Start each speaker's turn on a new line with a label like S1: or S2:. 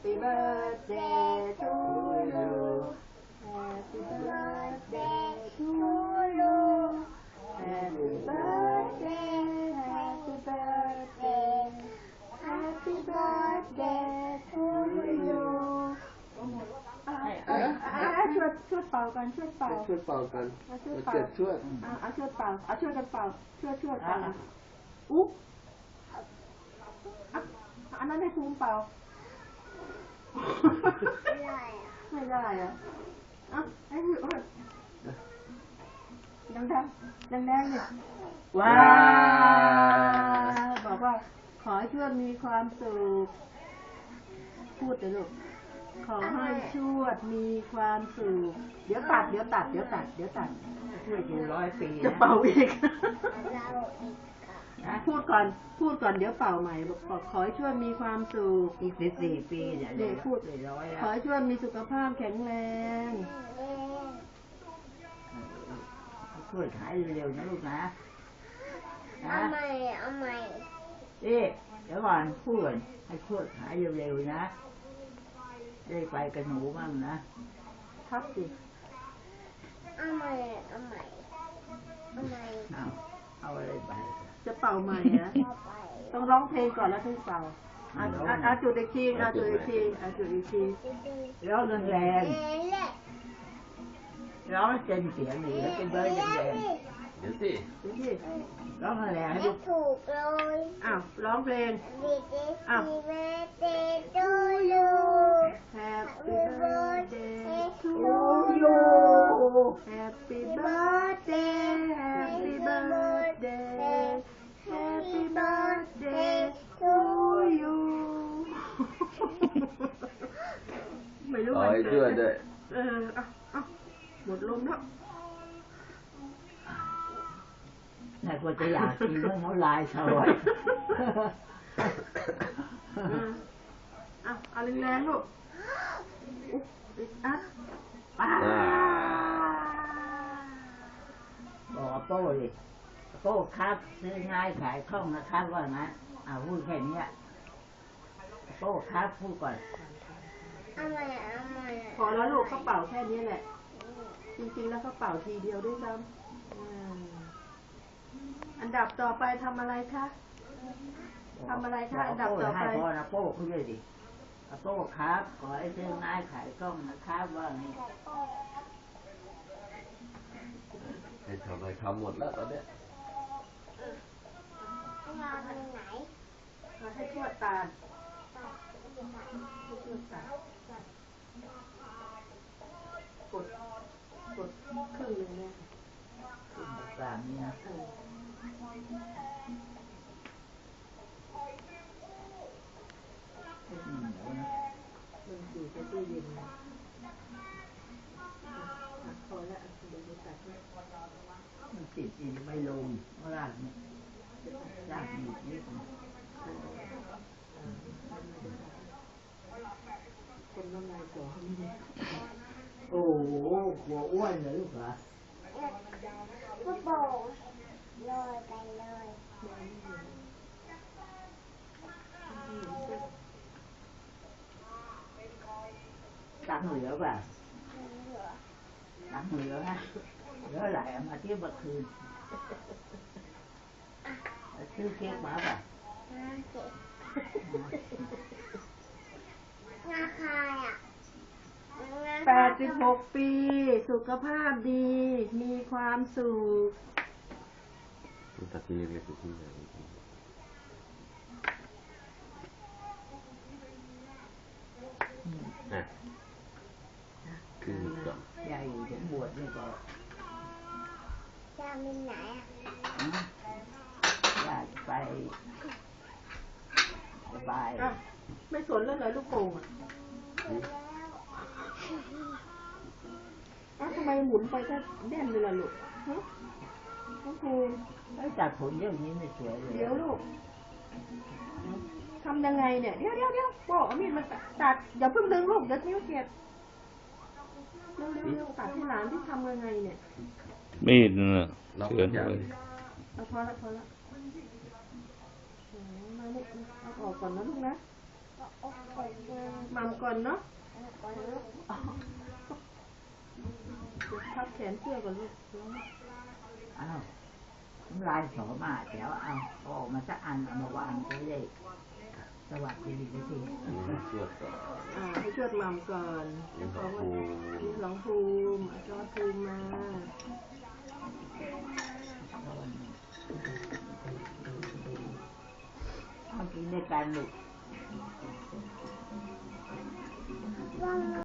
S1: Happy birthday to you Happy birthday to you Happy birthday Happy birthday Happy birthday to you ช่วยเป่ากันช่วยเป่ากันช่วยเป่าช่วยเป่าช่วยกันเป่าช่วยเป่าอุ๊อันนั้นให้ภูมิเป่าไม่ได้อะให้ภูมิดังเนี่ยว้าวบอกว่าขอให้ชวดมีความสุขพูดเลยลูกขอให้ชวดมีความสุขเดี๋ยวตัดช่วยอยู่100 ปีจะเป่าอีกพูดก่อนเดี๋ยวเป่าใหม่บอกขอให้ชวดมีความสุข
S2: อีก14 ปีเดี๋ยว
S1: พูด
S2: เลย100
S1: ขอให้ชวดมีสุขภาพแข็งแรง
S2: ช่วยหายเร็วๆนะลูกนะ
S3: เอาใหม่
S2: เดี๋ยวก่อนพูดให้ช่วยหายเร็วๆนะได้ไปกับหนูบ้างนะครับ
S1: สิ
S3: เอาใหม่
S2: เอาอะไรไป
S1: จะเป่าใหม่นะต้องร้องเพลงก่อนแล้วถึงเป่าจุดอีกที
S2: ร้องแรงๆร้องเต็มเสียงเลยแล้วเป็นเบอร์แรง
S4: เดี๋ยวสิ
S2: ร้องแรงให้ลูก
S3: ถูกเลย
S1: ร้องเพลง
S3: Happy birthday to you
S1: Happy birthday to you Happy birthday Happy birthday Happy birthday to you ไม่รู้
S4: มันเกิดด้วย
S1: หมดลมแล้ว
S2: น่าควรจะอยากกินเรื่องน้ำลายสลอย
S1: เอาแรงๆลูก
S2: บอกโป้ดิโป้ครับซื้อง่ายขายคล่องนะครับว่านะพูดแค่นี้โป้ครับพูดก่อน
S3: เอาใหม่
S1: พอแล้วลูกเขาเป่าแค่นี้แหละจริงๆแล้วเขาเป่าทีเดียวด้วยซ้ำอันดับต่อไปทำอะไรคะอันดับต่อไป
S2: ให้พ่อนะโป้คุยเลยดิโป้ครับขอให้ซื้อง่ายขายคล่องนะครับว่าไง
S4: ให้ทำอะไรทำหมดแล้วตอนเนี้ย
S3: เราไปไหน
S1: มาให้ทวดตาลกดครึ่งนึงเนี่ย
S2: ตามนี้นะ
S1: มันอยู่ในตู้เย็นพอแล้วเดี๋ยวตัด
S2: มันติดอีกไม่ลงรากเนี่ยรากอยู่นี่
S1: คนน้ำลายก่อ
S2: โอ้โหหัวอ้วนเลยลูกเหรอ
S3: ก็โป่งลอยไปเลย
S2: ตังเหลือป่ะตังเหลือฮะเหลือไหลมาเที่ยวเมื่อคืนซื้อเค้กมาป่ะ
S3: ราคา
S1: 86 ปีสุขภาพดีมีความสุข
S4: ตัดทีเล็กๆทีใหญ่คือก่อน
S2: ใหญ่ถึงบวชนี่ก็
S3: จะมีไหน
S2: อยากไปสบาย
S1: ไม่สนแล้วเหรอลูกโป่งทำไมหมุนไปก็แน่นเลยล่ะลูกน้องภูมิ
S2: จัดผลเรื่องนี้ไม่สวยเลย
S1: เดี๋ยวลูกทำยังไงเนี่ยเดี๋ยวโป้เอามีดมาตัดอย่าเพิ่งดึงลูกเดี๋ยวนิ้วเจ็บเร็วตัดที่หลานที่ทำยังไงเนี่ย
S5: มีดน่ะ
S4: เชือนเลย
S1: พอละมาลูกเอาออกก่อนนะลูกนะ
S3: ก็อกก่อนนะ
S1: มัมก่อนเนาะ
S3: ก่อนลูก
S1: เดี๋ยวพับแขนเสื้อก่อนลูก
S2: อ้าวน้ำลายสอมาเดี๋ยวเอาออกมาสักอันเอามาวางจะได้สวัสดีไปที
S4: อันนี้ให้ช่วยก่อน
S1: ให้ชวดมัมก่อน
S4: นี่ของภูมิ
S1: นี่หลวงภูมิจอภูมิมา
S2: เอากินด้วยกันลูก
S3: ว่าง